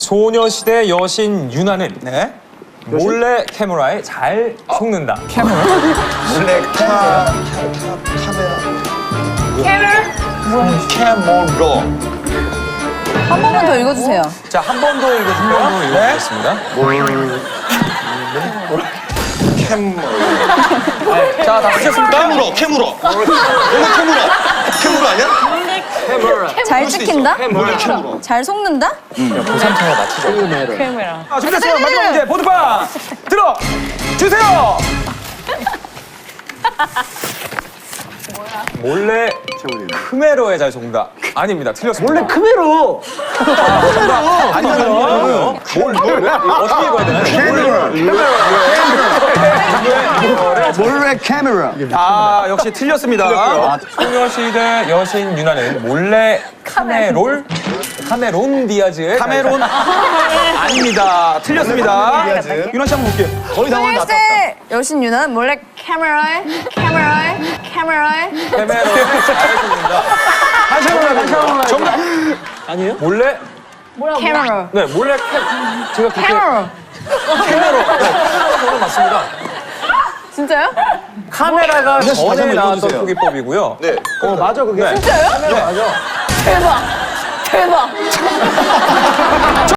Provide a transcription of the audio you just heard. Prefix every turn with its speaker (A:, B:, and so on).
A: 소녀시대 여신 유나는
B: 네.
A: 몰래 카메라에 잘 속는다.
B: 몰래 카메라. 캐모로.
C: 한 번만 더 읽어주세요.
A: 자, 한 번 더 읽어보겠습니다.
B: 캐모로.
A: 자, 다 하셨습니까?
B: 캐무로. 캐무로 아니야?
C: 잘 찍힌다?
B: 몰래 캐무로.
C: 잘 속는다?
A: 고삼차가 맞히죠.
D: 카메라.
A: 준비됐어요. 마지막 문제 보드판 들어 주세요. 몰래 크메로에 잘 속는다. 아닙니다. 틀렸습니다. 몰래
E: 크메로.
A: 아니요. 어떻게 읽어야 되나요?
E: 몰래 카메라.
B: 아, 역시 틀렸습니다.
A: 소녀시대 여신 유나는 몰래 카메론 디아즈의
B: 카메론 아닙니다. 틀렸습니다. 윤아 씨 한번 볼게요. 거의 다 왔다.
C: 소녀시대 여신 유나는 몰래 카메라에
A: 카메론에 잘 속는다.
B: 다시 한번 정답.
A: 몰래
C: 카메라.
A: 네 몰래 제가 그렇게
C: 카메라.
A: 카메로 맞습니다.
C: 진짜요?
A: 카메라가
B: 다시
A: 전에
B: 한번
A: 나왔던
B: 읽어주세요.
A: 표기법이고요.
B: 네.
E: 맞아 그게.
A: 네.
C: 진짜요?
A: 네, 맞아.
C: 대박. 대박.